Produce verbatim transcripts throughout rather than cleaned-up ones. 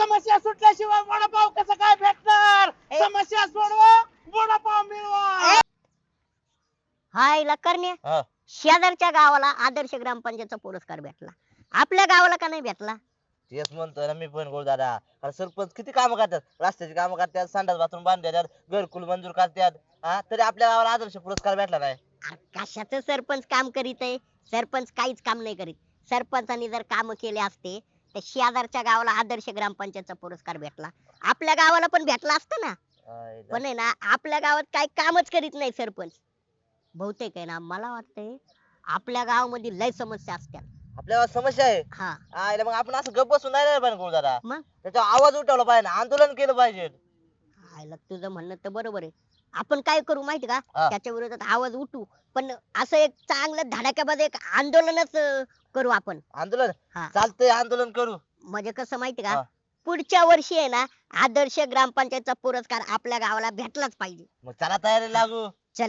समस्या सुटल्याशिवाय वडापाव कसं काय भेटणार? ए. समस्या सोडवा, वडापाव मिळवा. हाय लकरण्या हा. शेजारच्या गावाला आदर्श ग्रामपंचायतचा पुरस्कार भेटला, आपल्या गावाला का नाही भेटला? तेच म्हणतोय ना मी पण गोड दादा. अरे सरपंच किती काम करतात, रस्त्याची कामं करतात, संडास बाथरूम बांधतात, घरकुल मंजूर करतात, हा तरी आपल्या गावाला आदर्श पुरस्कार भेटला नाही. अरे कशाचं सरपंच काम करीत आहे? सरपंच काहीच काम नाही करीत. सरपंचानी जर काम केले असते तर शेजारच्या गावाला आदर्श ग्रामपंचायतचा पुरस्कार भेटला, आपल्या गावाला पण भेटला असता ना. आय दा- पण आहे ना आपल्या गावात काही कामच करीत नाही सरपंच. बहुतेक आहे ना मला वाटतंय आपल्या गावामध्ये लय समस्या असतात. आपल्या गावात समस्या आहे. हा आयला मग आपण असं गप्प बसून नाही राहिलं पाहिजे गोड दादा. मग त्याच्यावर आवाज उठवला पाहिजे, आंदोलन केलं पाहिजे. आयला तुझं म्हणणं तर बरोबर आहे. आपण काय करू माहिती का, हा. त्याच्या विरोधात आवाज उठू, पण असं एक चांगलं धडाक्याबाज एक आंदोलनच अं, करू आपण. आंदोलन हा चालतंय, आंदोलन करू. म्हणजे कसं माहिती हा. का, पुढच्या वर्षी आहे ना आदर्श ग्रामपंचायतचा पुरस्कार आपल्या गावाला भेटलाच पाहिजे. मग चला तयारी लागू. चल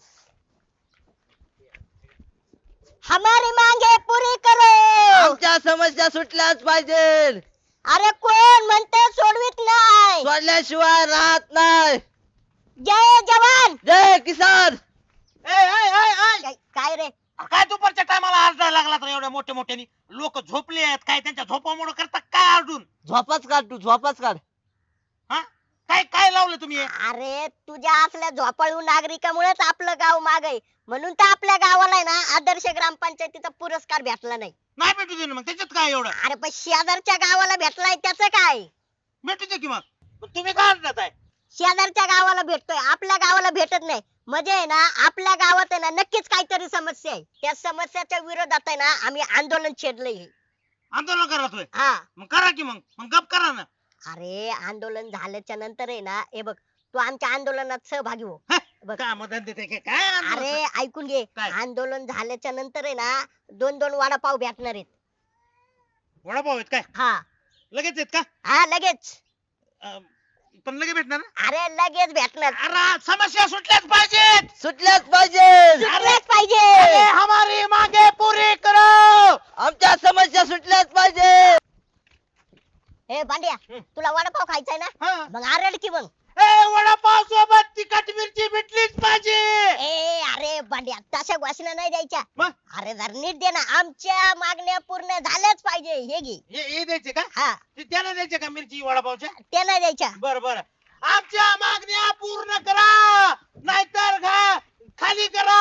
हमारी मांगे पुरी करो. आमच्या समस्या सुटल्याच पाहिजे, अरे कोण म्हणते सोडवीत नाही. सोडल्याशिवाय राहत नाही. जय जवान. जय किसान. ए, ए, ए, ए. काय काय रे, काय दुपारच्या टायमाला आरडायला लागला तर एवढ्या मोठ्या मोठ्यानी? लोक झोपले आहेत काय, त्यांच्या झोपामुळे करता काय आरडून? झोपाच काढ तू, झोपाच काढ. हा काय काय लावलं तुम्ही हे? अरे तुझ्या असल्या झोपाळू नागरिकामुळेच आपलं गाव माग आहे, म्हणून तर आपल्या गावाला आहे ना आदर्श ग्रामपंचायतीचा पुरस्कार भेटला नाही. नाही भेटू दे ना, मग त्याच्यात काय एवढं? अरे पण शेजारच्या गावाला भेटलाय त्याचं काय? भेटू दे की मग. पण तुम्ही काय आरडत आहे? शेजारच्या गावाला भेटतोय, आपल्या गावाला भेटत नाही, म्हणजे आहे ना आपल्या गावात आहे ना नक्कीच काहीतरी समस्या आहे. त्या समस्याच्या विरोधात आहे ना आम्ही आंदोलन छेडलंय. आंदोलन करा तुम्ही. हा मग करा की मग मग गप करा ना. अरे आंदोलन झाल्याच्या नंतर आहे ना, हे बघ तू आमच्या आंदोलनात सहभागी हो. हे, बघ. काय मदत देते काय काय आंदोलन? अरे ऐकून घे, काय? आंदोलन झाल्याच्या नंतर आहे ना दोन दोन वडापाव भेटणार आहेत. वडापाव आहेत काय? हा लगेच आहेत का? हा लगेच. अं, पण लगेच भेटणार ना? अरे लगेच भेटणार. अरे समस्या सुटल्याच पाहिजेत. सुटल्याच पाहिजे, सुटलेच पाहिजे. अरे हमारी मागे पुरी करो. आमच्या समस्या सुटल्याच पाहिजे. ए भांड्या, हं. तुला वडापाव खायचाय ना, हा. मग आरड की मग. ए वडापाव सोबत तिखट मिरची भेटलीच पाहिजे. ए अरे भांड्या तशा घोषणा नाही द्यायच्या. मग अरे जर नीट दे ना, आमच्या मागण्या पूर्ण झाल्याच पाहिजे. हे घे. हे हे द्यायचे का? हा ते त्याला द्यायचे का मिरची वडापावच्या? ते नाही द्यायच्या. बर बर. आमच्या मागण्या पूर्ण करा, नाहीतर घा खाली करा.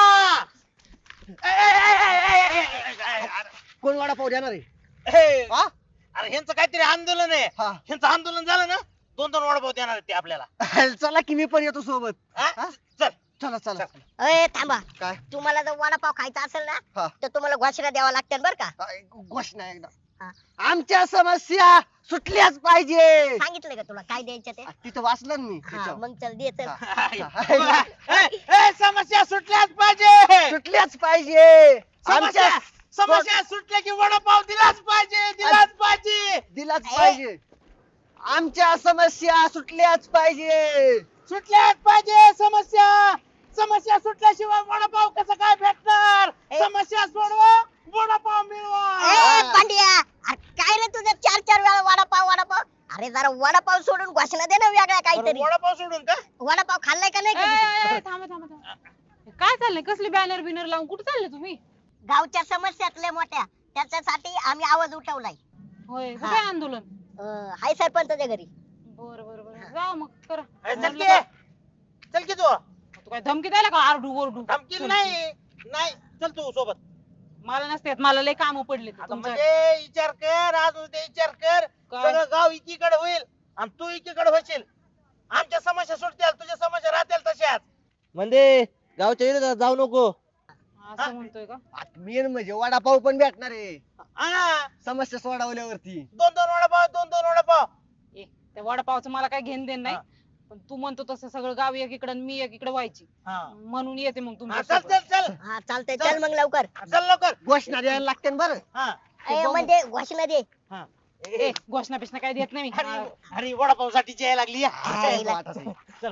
ए, ए, ए, ए, ए, ए, ए, ए, कोण वडापाव देणार आहे? ए, हा? अरे ह्यांचं काहीतरी आंदोलन आहे. हा. ह्यांचं आंदोलन झालं ना, दोन दोन वडापाव देणार आहेत ते आपल्याला. चला की मी पण येतो सोबत. हा? हा? चल. चला चला ए थांबा, काय? तुम्हाला जर वडापाव खायचा असेल हा. ना तर तुम्हाला घोषणा द्यावा लागतील बर का. काय घोषणा एकदा. हा. आमच्या समस्या सुटल्याच पाहिजे. सांगितलं का तुला काय द्यायचं ते? तिथं वाचलं ना मी हा त्याच्यावर. मग चल दे चल. हा. ए, ए, समस्या सुटल्याच पाहिजे. सुटल्याच पाहिजे. समस्या आमच्या समस्या सुटल्या की वडापाव दिलाच पाहिजे, दिलाच पाहिजे. दिलाच पाहिजे. आमच्या समस्या सुटल्याच पाहिजे. सुटल्याच पाहिजे समस्या. समस्या सुटल्याशिवाय वडापाव कसं काय भेटणार? ए. समस्या सोडवा, वडापाव मिळवा. ए पांड्या, अरे काय रे तुझं चार चार वेळा वडापाव वडापाव? अरे जरा वडापाव सोडून घोषणा दे ना वेगळ्या अरे काहीतरी. वडापाव सोडून का? वडापाव खाल्लाय का नाही ए, कधी? ए, ए, थांबा थांबा थांबा. काय चाललंय, कसली बॅनर बिनर लावून कुठे चालले तुम्ही? गावच्या समस्यातल्या मोठ्या त्याच्यासाठी आम्ही आवाज उठवलाय. होय हा. कुठे आंदोलन? अं, हाय सरपंचाच्या घरी. बर बर बर जा मग करा. ए, चल म्हटलं की चल की तू. का- तू काय धमकी द्यायला का आरडू ओरडू? धमकी चल. नाही नाही चल तू सोबत. मला नसते येत, मला लय काम पडले आता म्हणजे विचार कर, आज उद्या विचार कर. काय? सगळं गाव एकीकडे होईल आणि तू एकीकडे होशील. आमच्या समस्या सुटतील, तुझ्या समस्या राहतील तशाच. म्हणजे गावच्या विरोधात जाऊ नको. असं म्हणतोय का? मेन म्हणजे वडापाव पण भेटणार आहे हा, समस्या सोडवल्यावरती. दोन दोन वडापाव, दोन दोन वडापाव. ए त्या वडापावचं मला काय घेणं देणं नाही, हा. पण तू म्हणतो तसं सगळं गाव एकीकडे आणि मी एकीकडे व्हायची, हा. म्हणून येते मग हा, तुमच्या चल सोबत. चल चल हा चालतंय, चल मग लवकर. चल लवकर. घोषणा द्यायला लागते ना बरं. हा. ए, बघू. म्हणजे घोषणा दे. हा. ए घोषणा बिषणा काय देत नाही मी. अरे अरे वडापाव साठी यायला लागली. हाय, चल, वाटा ताई. चल.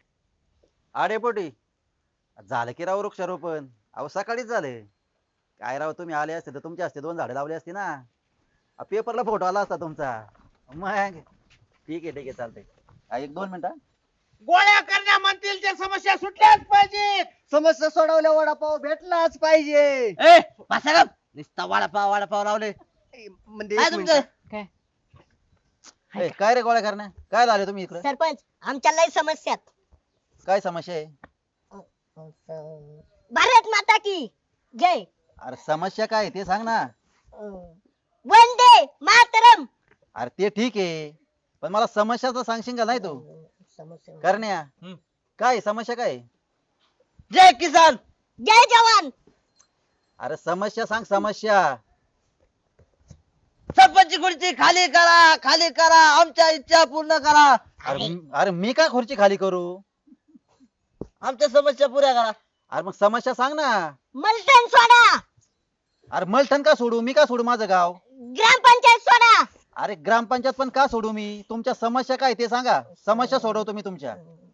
अरे पोटी झालं की राव वृक्षारोपण. अहो सकाळीच झाले. काय राव तुम्ही आले असते तर तुमचे असते दोन झाडे लावली असती ना. पेपरला फोटो आला असता तुमचा. मग ठीक आहे ठीक आहे चालतंय हा, एक दोन मिनिटं गोळ्या करण्या म्हणतील त्या समस्या सुटल्याच पाहिजेत. समस्या सोडवल्या वडापाव भेटलाच पाहिजे. ए बसा गप. नुसता वडापाव वडापाव लावले ए, म्हणजे काय एक तुमचं मिनिट. काय ए, काय रे गोळ्या करण्या काय झाले तुम्ही इकडे सरपंच आमच्या लय समस्यात. काय समस्या आहे भारत माता की जय. अरे समस्या काय आहे ते सांग ना वंदे मातरम. अरे ते ठीक आहे पण मला समस्याचं सांगशील का नाही तू करण्या हम्म. काय आहे? समस्या काय आहे? जय किसान. जय जवान. अरे समस्या सांग समस्या सरपंच खुर्ची खाली करा खाली करा आमच्या इच्छा पूर्ण करा अरे म- अरे मी काय खुर्ची खाली करू आमच्या समस्या पुऱ्या करा. अरे मग समस्या सांग ना मलटण सोडा. अरे मलठण का सोडू मी का सोडू माझं गाव ग्रामपंचायत सोडा. अरे ग्रामपंचायत पण का सोडू मी तुमच्या समस्या काय ते सांगा समस्या सोडवतो मी तुमच्या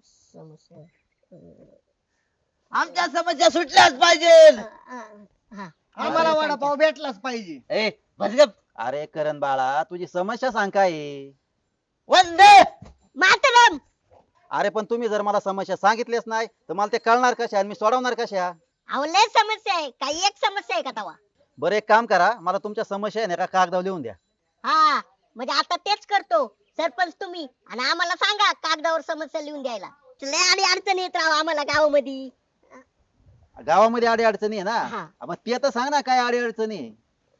आमच्या समस्या सुटल्याच पाहिजे. हा. आम्हाला वडापाव भेटलाच पाहिजे. ए बस गप. अरे करण बाळा तुझी समस्या सांग काय आहे? वंदे मातरम. अरे पण तुम्ही जर मला समस्या सांगितलीच नाही तर मला ते कळणार कशा आणि मी सोडवणार कशा अहो लय समस्या आहे. काही एक समस्या आहे का तवा? बरं एक काम करा मला तुमच्या समस्या आहे ना एका कागदावर लिहून द्या हा म्हणजे आता तेच करतो सरपंच तुम्ही आणि आम्हाला सांगा कागदावर समस्या लिहून द्यायला. लय आणि अडचण येत राव आम्हाला गावामध्ये. गावामध्ये अडी अडचणी आहे हा. ना मग ते तर सांग ना काय अडी अडचणी आहे?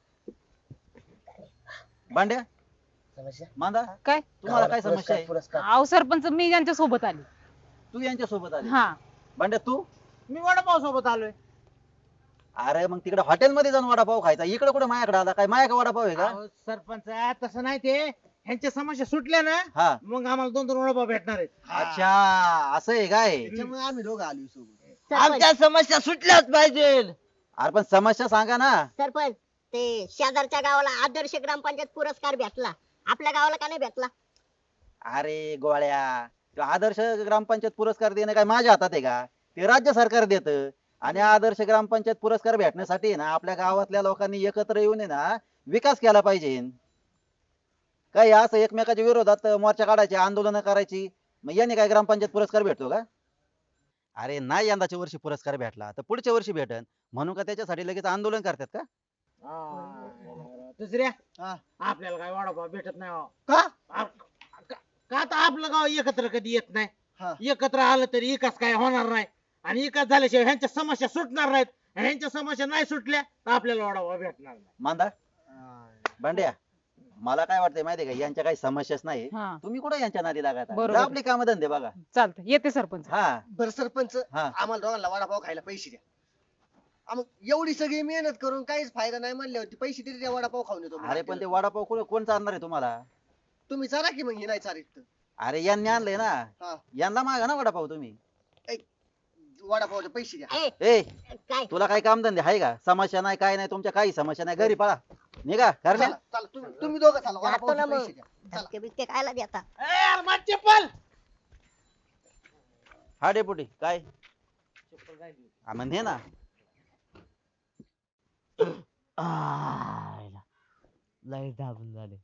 भांड्या समस्या मांदा काय तुम्हाला काय समस्या आहे पुरस्कार अहो सरपंच मी यांच्या सोबत आली. तू यांच्या सोबत आली हा भांड्या तू मी वडापाव सोबत आलोय. अरे मग तिकडे हॉटेलमध्ये जाऊन वडापाव खायचा इकडे कुठे माझ्याकडे आला काय माझ्या वडापाव आहे का अहो, सरपंच तसं नाही ते ह्यांच्या समस्या सुटल्या ना हा मग आम्हाला दोन दोन वडापाव भेटणार आहेत. अच्छा असं आहे काय त्याच्यामुळे आम्ही दोघं आलो सोबत. सरपंच आमच्या समस्या सुटल्याच पाहिजे. अरे पण समस्या सांगा ना सरपंच ते शेजारच्या गावाला आदर्श ग्रामपंचायत पुरस्कार भेटला. आपल्या गावाला का नाही भेटला? अरे गोळ्या तो आदर्श ग्रामपंचायत पुरस्कार देणं काय माझ्या हातात आहे का ते राज्य सरकार देतं आणि आदर्श ग्रामपंचायत पुरस्कार भेटण्यासाठी आहे ना आपल्या गावातल्या लोकांनी एकत्र येऊन आहे ना विकास केला पाहिजे काय असं एकमेकाच्या विरोधात मोर्चा काढायचे आंदोलन करायची मग याने काय ग्रामपंचायत पुरस्कार भेटतो का अरे नाही यंदाच्या वर्षी पुरस्कार भेटला तर पुढच्या वर्षी भेटन म्हणून का त्याच्यासाठी लगेच आंदोलन करतात का हा. दुसऱ्या हा. आपल्याला काय वडापाव भेटत नाही हो. का आ- का का तर आपलं गाव एकत्र कधी येत हा. नाही. एकत्र आलं तरी विकास काय होणार नाही आणि विकास झाल्याशिवाय ह्यांच्या समस्या सुटणार नाहीत आणि ह्यांच्या समस्या नाही सुटल्या तर आपल्याला वडापाव भेटणार नाही. मांदा भांड्या मला काय वाटतंय माहितीये का यांच्या काही समस्याच नाही हा तुम्ही कुठे यांच्या नादी लागत आहे? बरोबर. जा आपली कामं धंदे बघा चालतं येते सरपंच. हा बर सरपंच हा. आम्हाला दोघांना वडापाव खायला पैसे द्या. आ, मग एवढी सगळी मेहनत करून काहीच फायदा नाही म्हणल्यावरती पैसे देते त्या वडापाव खाऊन येतो मग अरे पण ते हॉटेलला. वडापाव कोण कोण चालणार आहे तुम्हाला तुम्ही चारा की मग हे नाही चारित तर. अरे यांनी आणलंय ना हा. यांना मागा ना वडापाव तुम्ही वडापावचे पैसे द्या. ए ए काय तुला काही काम धंदे आहे का समस्या नाही काय नाही तुमच्या काही समस्या नाही घरी पळा निघा करण्या चला, चला, तुम्ही तुम्ही दोघं चला जातो वडापावचे ना मग. पैसे द्या. चला. धक्के बिक्के खायला देता? ए, यार, माझी चप्पल हा डेपुटी काय हा, मग हे ना आयला. लय दाबून झाले.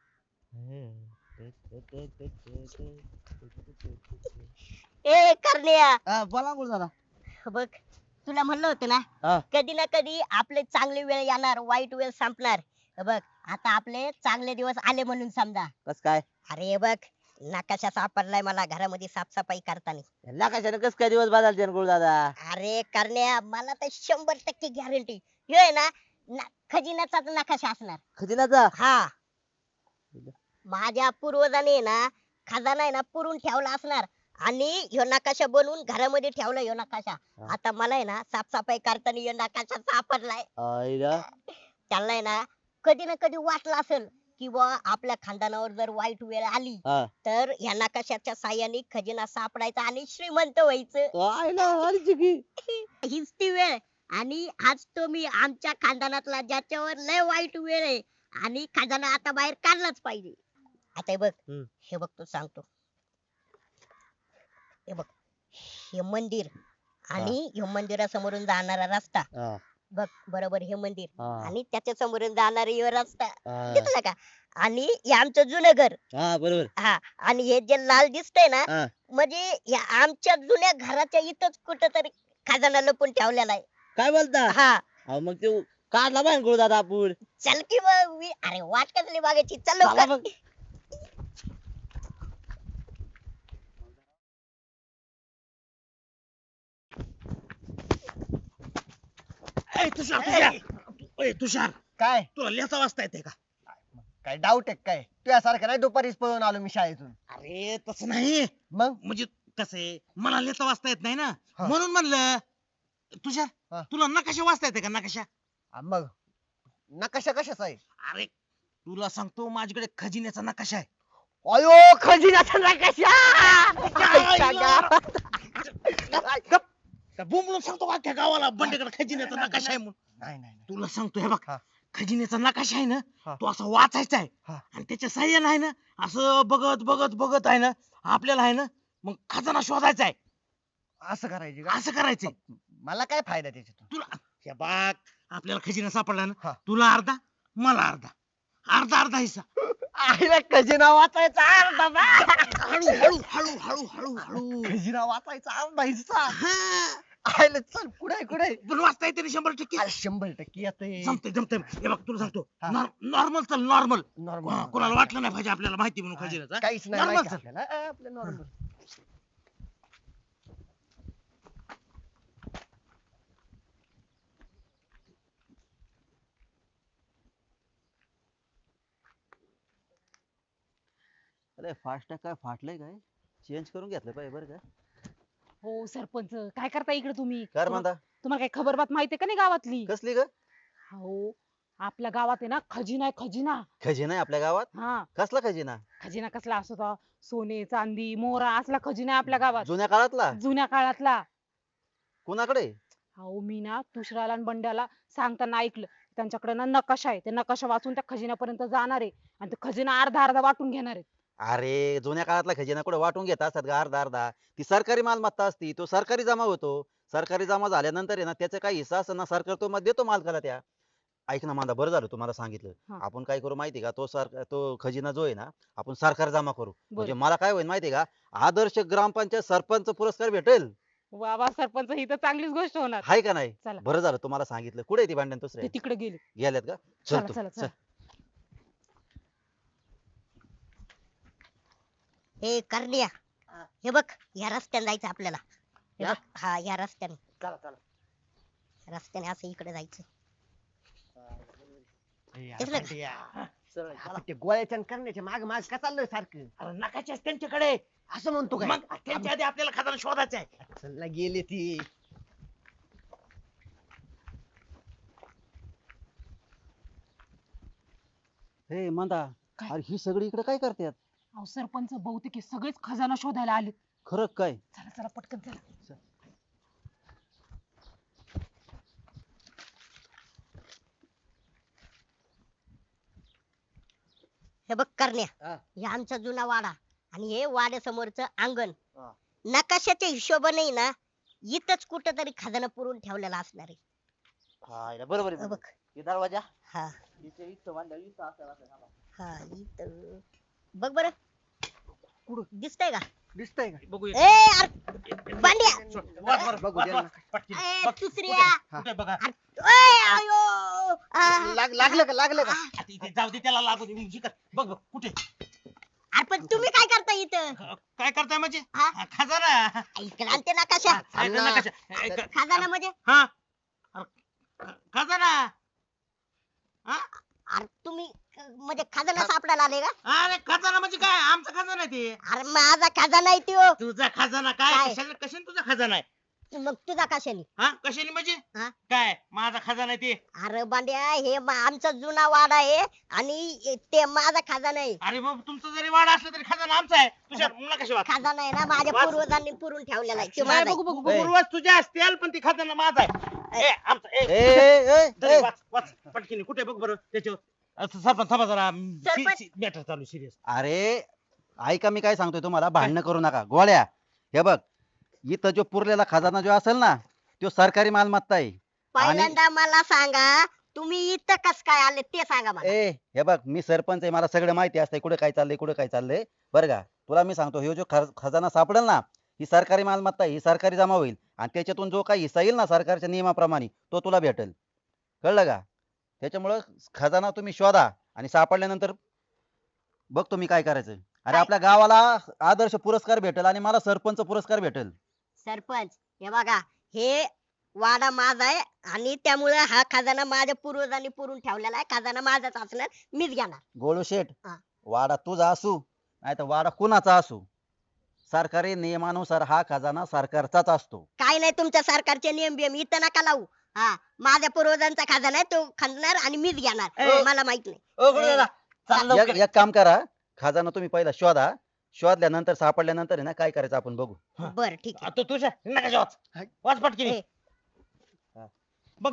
ए करण्या हा, बोला बोल दादा. बघ तुला म्हणलं होतं ना हा. कधी ना कधी आपले चांगले वेळ येणार वाईट वेळ संपणार. हे बघ आता आपले चांगले दिवस आले म्हणून समजा. कस काय अरे हे बघ नकाशा सापडलाय मला घरामध्ये साफसफाई करताना. लाखाच्यानं कस काय दिवस बदलते गुरु दादा. अरे करण्या मला तर शंभर टक्के गॅरंटी हे आहे ना ना- खजिन्याचाच नकाशा असणार. खजिनाचा हा माझ्या पूर्वजांनी आहे ना खजाना आहे ना पुरून ठेवला असणार आणि ह्यो नकाशा बनवून घरामध्ये ठेवला ह्यो नकाशा. हा. आता मला आहे ना साफसफाई करताना ह्यो नकाशा सापडलाय. आईला. त्यांना आहे ना कधी ना कधी वाटलं असेल की बुवा आपल्या खानदानावर जर वाईट वेळ आली हा. तर ह्या नकाशाच्या साह्याने खजिना सापडायचा आणि श्रीमंत व्हायचं. आईला आलीची की. हीच ती वेळ आणि आज तो मी आमच्या खानदानातला ज्याच्यावर लय वाईट वेळ आहे आणि खजाना आता बाहेर काढलाच पाहिजे. आता हे बघ हम्म. हे बघ तू सांगतो हे बघ हे मंदिर आणि ह्यो मंदिरासमोरून जाणारा रस्ता हा. बघ बरोबर हे मंदिर हा. आणि त्याच्या समोरून जाणारा यो रस्ता हा. दिसला का? आणि हे आमचं जुनं घर. हा बरोबर. हा आणि हे जे लाल दिसतंय ना हा. म्हणजे या आमच्या जुन्या घराच्या इथंच कुठंतरी खजाना लपून ठेवलेला आहे. काय बोलता? हा अहो, मग ते काढला बाहेर गुरु दादा आपण. चल की मग मी अरे वाट कसली बघायची चल चला लवकर. मग. ए, तुषार तुषार ए, तुषार काय तुला लिहिता वाचता येते का? काय डाऊट आहे काय तुझ्यासारखं नाही दुपारीच पळून आलो मी शाळेतून. अरे तसं नाही मग म्हणजे कसं आहे मला लिहिता वाचता येत नाही ना हा. म्हणून म्हणलं हा. तुषार तुला नकाशा वाचता येते का नकाशा? आ, मग नकाशा कशाचा आहे? अरे तुला सांगतो माझ्याकडे खजिन्याचा नकाशा आहे. अयो खजिन्याचा नकाशा. आईच्या गावात. गप. त्या बोंबलून सांगतो का अख्ख्या गावाला बंडेकडे खजिन्याचा नकाशा आहे म्हणून. नाही नाही नाही. तुला सांगतो हे बघ हा. खजिन्याचा नकाशा आहे ना हा. तो असा वाचायचा आहे हा. आणि त्याच्या साह्यानं आहे ना असं बघत बघत बघत आहे ना आपल्याला आहे ना मग खजाना शोधायचा आहे. असं करायचे का? असं करायचंय. मला काय फायदा त्याच्यातून? तुला हे बघ आपल्याला खजिना सापडला हा. ना तुला अर्धा मला अर्धा अर्धा अर्धा हिस्सा. आईला खजिना वाचायचा अर्धा बा. हळू हळू हळू हळू हळू हळू खजिना वाचायचा अर्धा हिस्सा. हा. आईला चल कुठे कुठे? पण वाचता येते ना शंभर टक्के. अरे शंभर टक्के येतंय. जमतंय जमतंय हे बघ तुला सांगतो हा. नॉर्मल चल नॉर्मल नॉर्मल कोणाला वाटलं नाही पाहिजे आपल्याला माहिती म्हणून खजिनाचा. काहीच नाही Normal माहिती चल. आपल्याला. अ, आपलं नॉर्मल. अरे फास्ट काय फाटलंय काय चेंज करून घेतलं पाहिजे बरं का. हो सरपंच काय करता इकडे तुम्ही? कर तुम्हा- म्हणता तुम्हाला काही खबर बात माहितीये का नाही गावातली? कसली ग? हो आपल्या गावात आहे ना खजिना आहे खजिना. खजिना आहे आपल्या गावात? हा कसला खजिना? खजिना कसला असतो तो? सोने चांदी मोहरा असला खजिना आहे आपल्या गावात जुन्या काळातला? जुन्या काळातला. कुणाकडे? अहो मी ना तुषाराला आणि बंड्याला सांगताना ऐकलं त्यांच्याकडे ना नकाशा आहे ते नकाशा वाचून त्या खजिन्यापर्यंत जाणार आहे आणि ते खजिना अर्धा अर्धा वाटून घेणार आहे. अरे जुन्या काळातला खजिना कुठे वाटून घेत असतात का अर्धा अर्धा? ती सरकारी मालमत्ता असती तो सरकारी जमा होतो. सरकारी जमा झाल्यानंतर आहे ना त्याचा काही हिस्सा असतो ना सरकार तो मग देतो मालकाला त्या. ऐक ना मांदा बरं झालं तुम्हाला सांगितलं. हा. आपण काय करू माहिती का तो सर तो खजिना जो आहे ना आपण सरकार जमा करू म्हणजे बरं. मला काय होईल माहिती का आदर्श ग्रामपंचायत सरपंच पुरस्कार भेटेल. वा वा सरपंच ही तर चांगलीच गोष्ट होणार. हाय का नाही? चला. बरं झालं तुम्हाला सांगितलं. कुठे आहे ती भांडण ते दुसरे तिकडे गेले. गेल्यात का? चला चल तू चला चल. चला. हे करण्या हे बघ या रस्त्याने जायचं आपल्याला. हे या? बघ हा या रस्त्याने चला चला. रस्त्याने असं इकडे जायचं. ए, यार, दिसलं का? खंड्या. आपण ते गोळ्याच्या आणि करण्याच्या माग माग का चाललोय सारखं? अरे नकाशा आहे त्यांच्याकडे असं म्हणतो काय? मग त्यांच्या आधी आपल्याला खजाना शोधायचा आहे. चल ना गेले ती. हे मांदा काय? अरे ही सगळी इकडे काय करतात? अहो सरपंच बहुतेक हे सगळेच खजाना शोधायला आले. खरं काय? चला चला पटकन चला. हे बघ करण्या हा. हे आमचा जुना वाडा आणि हे वाड्यासमोरचं अंगण. हा. नकाशाच्या हिशोबाने ना इथंच कुठंतरी खजाना पुरून ठेवलेला असणार आहे. हा इला बरोबर हे आहे. बघ हे दरवाजा हा इथे इथं बांधलं इथं असं असं थांबा. हा इथं बघ बरं कुठं दिसतंय का? दिसतंय का? बघूया ए यार बांड्या वर, वर, बघू वर, दे वर. ना. पटकीन. ए, बघ, दुसऱ्या कुठे बघा ओय, आयो. आ, लाग- लागलं का लागलं का? आता इथे जाऊ दे त्याला लागू दे इकडे. बघ बघ कुठे अरे पण तुम्ही काय करता इथं? ख- काय करताय म्हणजे हा? हा, खजाना इकडे आणते नकाशा. हा, इथं नकाशा. ए, ख- खजाना म्हणजे हा अरे, ख- खजाना हा? अरे तुम्ही अ, म्हणजे खजाना सापडायला आले का? अरे खजाना म्हणजे काय आमचा खजाना आहे ते. अरे माझा खजाना आहे तो. तुझा खजाना काय काय? कशाने कशाने तुझा खजाना आहे? मग तुझा कशाने? हा कशाने म्हणजे हा? काय माझा खजाना आहे ते. अरे बांड्या हे मा- आमचा जुना वाडा आहे आणि ते माझा खजाना आहे. अरे मग तुमचा जरी वाडा असला तरी खजाना आमचा आहे. तुझ्या मुला कशी वाट खजाना आहे ना माझ्या वाच. पूर्वजांनी पुरून ठेवलेला आहे तो नाही, माझा बघू आहे. बघू बघू पूर्वज तुझ्या असतील पण ती खजाना माझा आहे. ए आमचा ए ए, ए, ए, दरे, ए. वाच वाच पटकीने कुठे बघ बरं त्याच्यावर असं सरपंच थांबा जरा सरपंच. मॅटर चालू सिरियस. अरे ऐका मी काय सांगतोय तुम्हाला भांडणं करू नका गोळ्या. हे बघ इथं जो पुरलेला खजाना जो असेल ना तो सरकारी मालमत्ता आहे पहिल्यांदा मला सांगा तुम्ही इथं कस काय आले ते सांगा मला. ए हे बघ मी सरपंच आहे, मला सगळं माहिती असतंय कुठे काय चाललंय कुठे काय चाललंय. बरं का, तुला मी सांगतो, हे जो खज- खजाना सापडेल ना, ही सरकारी मालमत्ता आहे, ही सरकारी जमा होईल आणि त्याच्यातून जो काही हिस्सा येईल ना सरकारच्या नियमाप्रमाणे तो तुला भेटेल. कळलं का? त्याच्यामुळं खजाना तुम्ही शोधा आणि सापडल्यानंतर बघ तुम्ही काय करायचं. अरे काय? आपल्या गावाला आदर्श पुरस्कार भेटेल आणि मला सरपंच पुरस्कार भेटेल. सरपंच हे बघा, हे वाडा माझा आहे आणि त्यामुळे हा खजाना माझ्या पूर्वजांनी पुरून ठेवलेला आहे. खजाना माझाच असणार, मीच घेणार. गोळू शेठ, हा. वाडा तुझा असू नाही तर वाडा कुणाचा असू, सरकारी नियमानुसार हा खजाना सरकारचाच असतो. काय नाही तुमच्या सरकारचे नियम बियम इथं नका लावू. हा, माझ्या पूर्वजांचा खजाना आहे, तो खणणार आणि मीच घेणार. ए. मला माहित नाही. ओ गुरु दादा चल एक लवकर. एक काम करा, खजाना तुम्ही पहिला शोधा, शोधल्यानंतर सापडल्यानंतर आहे ना काय करायचं आपण बघू. बर ठीक आहे. तू तुझ्या नका वाच वाच पटकी ए. बघ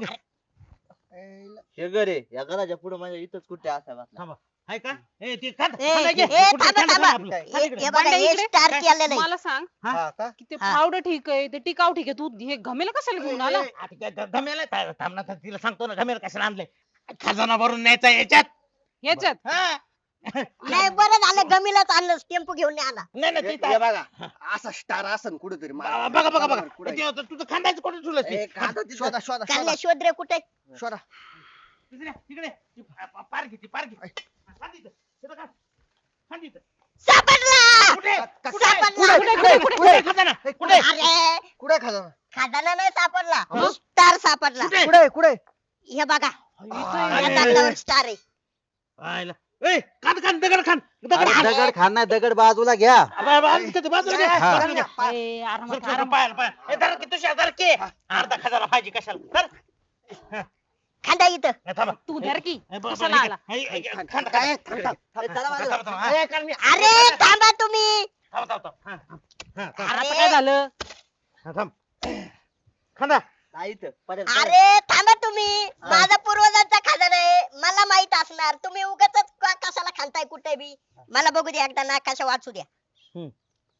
हे घर आहे या घराच्या पुढे म्हणजे इथंच कुठे असावा. हाय का ए ते खात ए, खात आहे की? ए, कुठे थांबा, खात आहे थांबा. आपलं? हे खात इकडे. हे बघा, बंड्या हे इकडे. स्टार केलेलं आहे. मला सांग हा? का की ते हा. फावडं ठीक आहे ते टिकाव ठीक आहे, तू हे घमेला कशाला घेऊन आला? आ, ते ग- ग- घमेला था- थांब ना, था- तिला सांगतो ना घमेला कशाला आणलंय. खजाना भरून न्यायचा याच्यात. याच्यात हा. नाही बरं झालं गमीलाच आणलं, टेम्पो घेऊन नाही आला. नाही नाही हे ते हे बघा, असा स्टार असन कुठेतरी बघा बघा बघा बघा ते होतं, तुझं खांदायचं कुठे ठेवलं ते? शोधा शोधा कारण्या शोधा शोध रे कुठे. शोधा. तिकडे तिकडे ती पा- पा- पार घे ती पार घे. खांद इथं. तिथं खांद. खांद इथं. सापडला. कुठे का- कुठे सापडला. कुठे कुठे कुठे कुठे खजाना कुठे अरे कुठे खजाना खजाना नाही सापडला, स्टार सापडला. कुठे? कुठे कुठे हे बघा, अरे, या दगडावर स्टार आहे. आयला. ए खान खान दगड खान दगड अरे खान दगड खान नाही, दगड बाजूला घ्या. अबे, बाजूला घे ते, बाजूला घे. हा. बाजूला घे. ए, आरामात, सर, सर, आरामात. पायाला, पायाला. ए, धर की तुझ्या, धर की. अर्धा खजाना पाहिजे कशाला धर. खांदा इथं. ए, थांबा. तू धर की ए, ब- ब- कशाला आला? ए, ए, ए, खांद, खांद. काय? ए, थांबा, थांबा. ए, कारण मी- अरे थांबा तुम्ही. थांबा, थांबा, थांबा. हा, हा, थांब. आता अरे. काय झालं? हा, थांब. खांदा. नाही इथं पडेल अरे थांबा तुम्ही, माझा पूर्वजांचा खजाना आहे, मला माहित असणार. तुम्ही उगाच कशाला खांताय कुठे बी. मला बघू द्या एकदा, नाकाशा वाचू द्या. हम्म.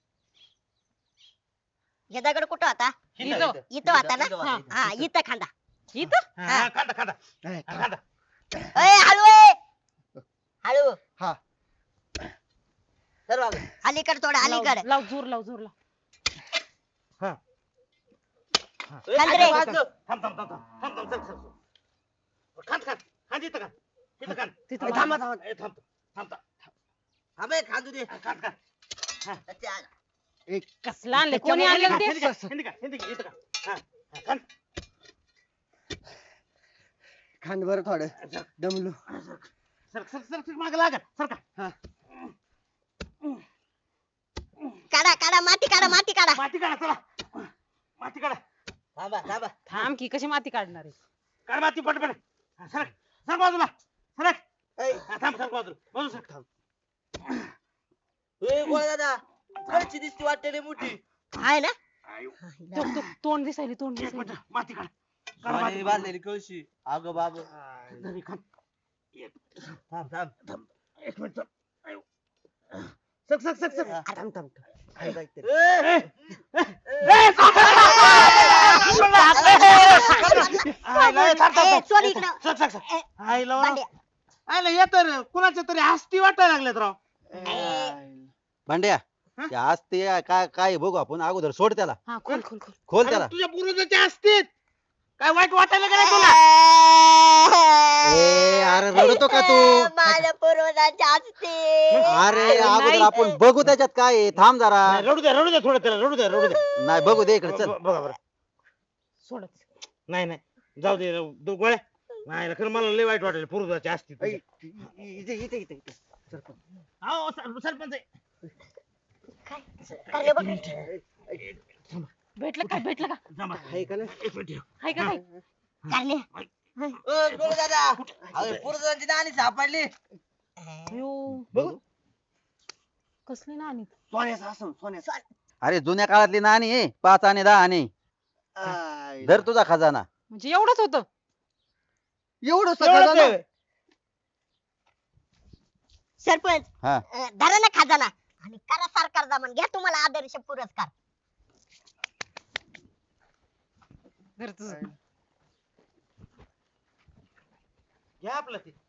हे दगड कुठं होता? इथं. इथं होता ना? इथं होता, इथं. हा, इथं खांदा. इथं हा, हा, खांदा, खांदा. हा, खांदा. अय हळू आहे. हळू हा सर बाबा अलीकड थोडं अलीकड. लाव लाव, जोर लाव जोर लाव. हा. खांद रे. थांब, थांब, थांब, थांब, थांब, थांब, चल, चल, चल. खांद, खांद. खांद इथं खांद. इथं खांद. तिथं ए, मार. थांबा, थांबा. ए, थांब, थांब, थांब. अबे खांदू दे खांद, खांद. अच्छा, आला. एक कसला आणलं, कोणी आणलं ते? हिंदी का, हिंदी का, हिंदी का, इथं का. हा, हा, खांद. खांद बरं थोडं दमलो. सर सर सर सर मागं लागा सर का. हा. काढा काढा माती काढा माती काढा. माती काढा चला. माती काढा. थांबा थांबा थांब की, कशी माती काढणार आहे? काढ माती पटपट. हा, सरक सरक बाजूला सरक. हा, थांब सरक बाजूला बाजूला सरक. थांब. ए गोळ्या दादा खर्ची दिसती वाटते मोठी आहे ना? आयो, तो- तो- तोंड दिसायली तोंड एक दिसायली. मिनिट माती काढ. काढ आणि माती. बांधलेली कळशी अगं बाब धरी खांद. एक थांब थांब थांब. एक मिनिट थांब. आयो. सक सक सक सक. हा. थांब थांब काय जायचं? ए, ए, ए, आयला, थांब, थांब, ए, थांब. सोड इकडं. सक सक सक. ए, आयला भांड्या. आयला ये तर कुणाच्या तरी हस्ती वाटायला लागल्यात राव. भांड्या हा? ते आज ते काय काय बघू आपण अगोदर सोड त्याला, हा, खोल खोल खोल. खोल अरे, त्याला. तुझ्या पूर्वजाच्या असतील काय वाईट वाटायला गेलं तुला. ए अरे रडतो का तू? माझ्या पूर्वजांच्या असते. अरे अरे अगोदर नाही. आपण बघू त्याच्यात काय आहे. थांब जरा. नाही, रडू द्या रडू द्या थोडं त्याला रडू द्या रडू द्या. नाही बघू दे इकडे चल. ब- बघा बरं. सोडत. नाही नाही जाऊ दे राहू- दो गोळ्या. नाही खरं मला लय वाईट वाटेल पूर्वजाच्या असतील ऐ, तुझ्या. इथे इथे इथे इथे. सरपंच. अहो, सर- सरपंच आहे. अरे बघ. भेटलं का भेटलं का? थांबा. आहे का नाही? एक मिनिट. हाय का काय? कारण्या. ओ गोळ दादा अरे पुरुषांची नाणी सापडली अयो, बघू. कसली नाणी? सोन्याचा असं सोन्याचा. अरे जुन्या काळातली नाणी आहे, पाच आणि दहा आणि आय, धर तुझा खजाना. म्हणजे एवढंच होतं? एवढं एवढंच सगळं आहे. सरपंच हा अं, धरा ना खजाना आणि करा सरकार जमान, घ्या तुम्हाला आदर्श पुरस्कार. धर तुझं. घ्या आपलं ते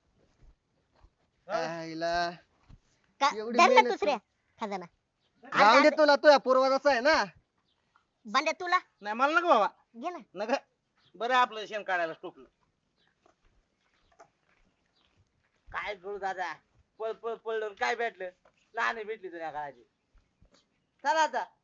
आईला का एवढी धर ना मेहनत दुसऱ्या खजाना राहू दे आज- तुला तुझ्या पूर्वजाचा आहे ना. बंड्या तुला नाही मला नको बाबा घे ना. नका बरं आपलं शेण काढायला टोपलं. काय करू दादा पळ पळ पळलं काय भेटलं लहान भेटली तुझ्या काळाची चला आता